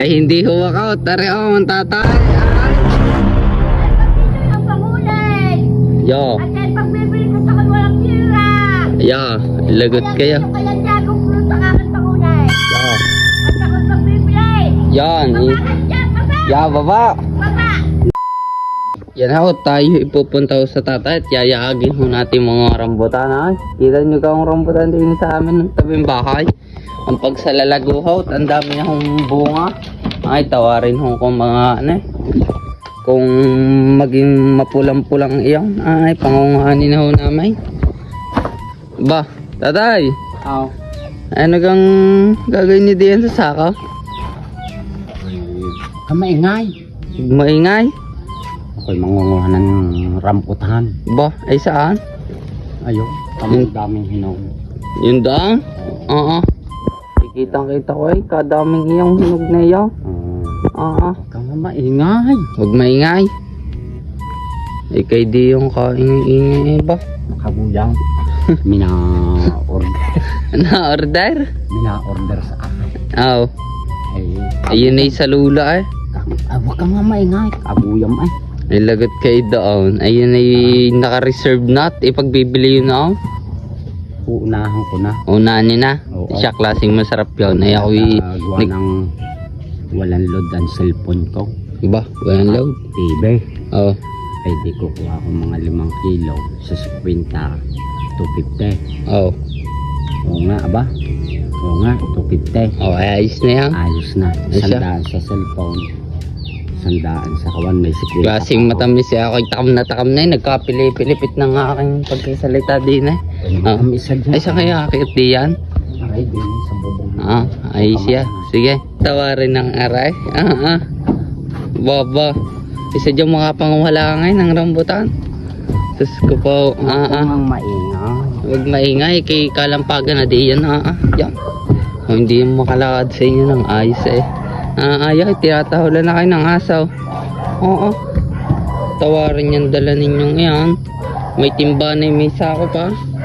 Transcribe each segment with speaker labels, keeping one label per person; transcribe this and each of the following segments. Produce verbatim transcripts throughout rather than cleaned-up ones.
Speaker 1: Ay hindi huwak out, tari ako ang tatay.
Speaker 2: Ang pangulay.
Speaker 1: Yo,
Speaker 2: At dahil pagbibili ko sa walang tira.
Speaker 1: yo, lagot kayo.
Speaker 2: Kaya dagong fruit ang aking pangulay.
Speaker 1: Yo,
Speaker 2: At ako pagbibili.
Speaker 1: yan. i-
Speaker 2: Bakit dyan? Baba!
Speaker 1: Ya, baba.
Speaker 2: Baba!
Speaker 1: Yan ako, tayo ipupunta ho sa tatay at yayaagin ho natin mga rambutan. Ay, kita nyo ka ang rambutan din sa amin ng tabing bahay. Ang pagsalalaguhaw, ang dami niya hong bunga. Ay, tawarin ho kung mga ano eh. Kung maging mapulang-pulang iyon, ay, pangungahanin na ho namin. Ba, tatay,
Speaker 3: Aw.
Speaker 1: ano kang gagawin niyo diyan sa saka?
Speaker 3: Kamaingay.
Speaker 1: Maingay?
Speaker 3: Ako'y mangunguha ng rambutan.
Speaker 1: Ba, ay saan?
Speaker 3: Ayun,
Speaker 1: Hmm.
Speaker 3: kaming daming hinog.
Speaker 1: Yun daang? Oo. Kitang kita ko ay kadaming iyong hinog na iyo.
Speaker 3: Uh,
Speaker 1: Oo.
Speaker 3: Kama maingay.
Speaker 1: Huwag maingay. Ay kay di yung kaingay ba?
Speaker 3: Kabuyang. Mina-order.
Speaker 1: Na-order?
Speaker 3: Mina-order sa akin.
Speaker 1: Oo.
Speaker 3: Ay,
Speaker 1: Ayun ay sa lula eh.
Speaker 3: ah, huwag ka nga maingay. Kabuyang ay.
Speaker 1: Ay lagot kay doon. Ayun ay naka-reserve na at ipagbibili yun ako.
Speaker 3: Uunahan ko na.
Speaker 1: Unanin na.
Speaker 3: Oo.
Speaker 1: Siya klaseng masarap yun. Ay ako y...
Speaker 3: Nagawa
Speaker 1: nag-
Speaker 3: ng walang load ang cellphone ko.
Speaker 1: Ba? Walang load?
Speaker 3: T V.
Speaker 1: Oo.
Speaker 3: Ay di ko kuha ko mga limang kilo sa kwenta. two fifty.
Speaker 1: Oo.
Speaker 3: Oo nga, aba. Oo nga, two fifty.
Speaker 1: Oo, ay ayos na yan.
Speaker 3: Ayos na.
Speaker 1: Ay, siya?
Speaker 3: Sandaan sa cellphone. Sandaan sa kawan. May security.
Speaker 1: Klaseng matamis eh. Ako'y takam na takam na eh. Nagkapili-pilipit ng aking pagkasalita din eh.
Speaker 3: Ah.
Speaker 1: Ah.
Speaker 3: Isa dyan.
Speaker 1: Ay, sa kaya akit di yan?
Speaker 3: Aray, din sa bubong.
Speaker 1: Ah, ay siya. Sige, tawarin ng aray. Ah, ah. Baba. Isa dyan mga panguhala ngayon ng rambutan. Sus ko po. Ah, ah.
Speaker 3: Ang maingay.
Speaker 1: Huwag maingay. Kay kalampagan na di yan. Ah, ah. Yan. O, hindi mo makalakad sa inyo ng ayos eh. Ah, ay, ay. Tinatahulan na kayo ng asaw. Oo. Tawarin yan dala ninyong yan. May timba na may sako pa.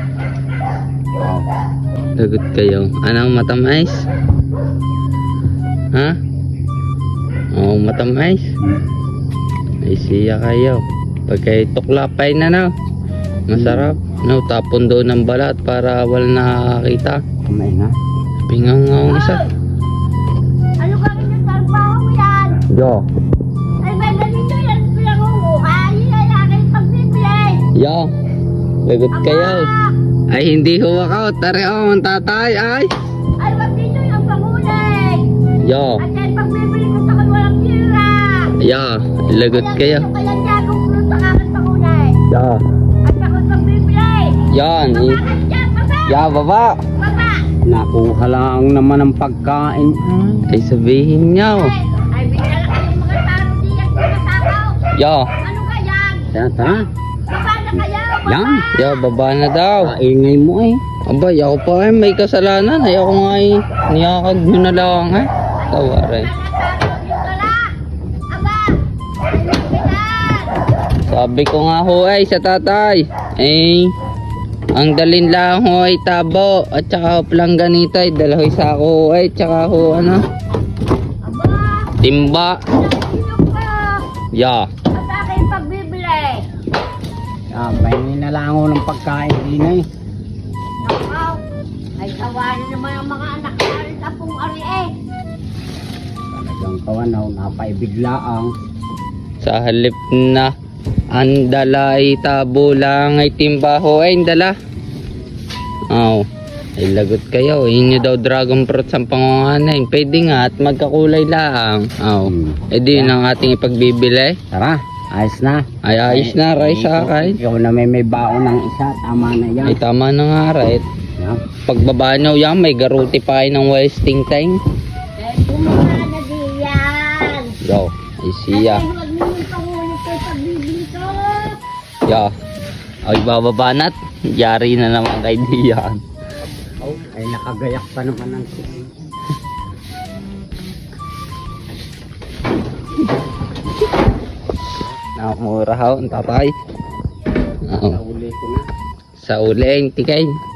Speaker 1: Lagot kayo. Anong matamais? Ha? Oo, matamais. Ay siya kayo. Pag kayo tuklapay na na. Masarap. No, tapon doon ng balat para wala nakakita.
Speaker 3: Maingay.
Speaker 1: Pingangaw isa.
Speaker 2: Ano ka rin yung trabaho mo yan?
Speaker 1: Yo.
Speaker 2: Ay, may ganito yan. Pinangunguha. Yun ay aking pagbibili.
Speaker 1: Yo. Lagot kayo.
Speaker 2: Aba!
Speaker 1: Ay hindi huwak out. Tari ako ang tatay. Ay.
Speaker 2: Ay, wag dito yung pangulay.
Speaker 1: Yo.
Speaker 2: At dahil pagbibili ko sa walang tira.
Speaker 1: Yo. Lagot kayo.
Speaker 2: Kaya dagong fruit ang aking pangulay.
Speaker 1: Yo.
Speaker 2: At ako pagbibili.
Speaker 1: Yan. i-
Speaker 2: Bakit dyan? Baba!
Speaker 1: Ya, baba.
Speaker 2: Baba!
Speaker 3: Nakuha lang naman ang pagkain.
Speaker 1: Ay sabihin nyo.
Speaker 2: Ay, ay bigla lang yung mga tao diyan sa kasakaw.
Speaker 1: Yo.
Speaker 2: Ano ka yan?
Speaker 3: Tara, tara.
Speaker 2: Baba na kayo! Baba!
Speaker 3: Yan.
Speaker 1: Yo, baba na daw.
Speaker 3: Kaingay mo eh.
Speaker 1: Abay, ako pa eh, may kasalanan. Ay, ako nga eh, niyakag nyo na lang eh. Tawarin. Sabi ko nga ho ay sa tatay. Eh, ang dalin lang ho ay tabo. At saka ho palang ganito ay dalahoy sa ako ay. Tsaka ho ano, timba. Ya.
Speaker 2: At aking pagbibili.
Speaker 3: Ah, pahingi na lang ako ng pagkain din eh.
Speaker 2: Nakaw. Ay tawanan naman ang mga anak na rin apong ari eh.
Speaker 3: Talagang kawanaw, napaibiglaang.
Speaker 1: Sa halip na ang dala ay tabo lang ay timba ho ay dala. Aw. Ay lagot kayo. Inyo daw dragon fruit sa pangungahan. Pwede nga at magkakulay lang. Aw.
Speaker 3: Hmm.
Speaker 1: Eh di yun ang ating ipagbibili.
Speaker 3: Tara, ayos na.
Speaker 1: Ay ayos na ray sa akin.
Speaker 3: Ikaw na may may baon ng isa, tama na yan.
Speaker 1: Ay tama na nga right.
Speaker 3: Yan.
Speaker 1: Pagbaba nyo yan may garuti pa kayo ng wasting time.
Speaker 2: Eh, bumaba na diyan.
Speaker 1: Yo. Ay siya.
Speaker 2: Ay, huwag mo yung pangulit kay pagbibili ko.
Speaker 1: Yo. Ay bababa na't. Yari na naman kay Diyan.
Speaker 3: Oh, ay nakagayak pa naman ng
Speaker 1: Nakamura ho ang tatay. Oo.
Speaker 3: Nauli ko na.
Speaker 1: Sa uli, tikay.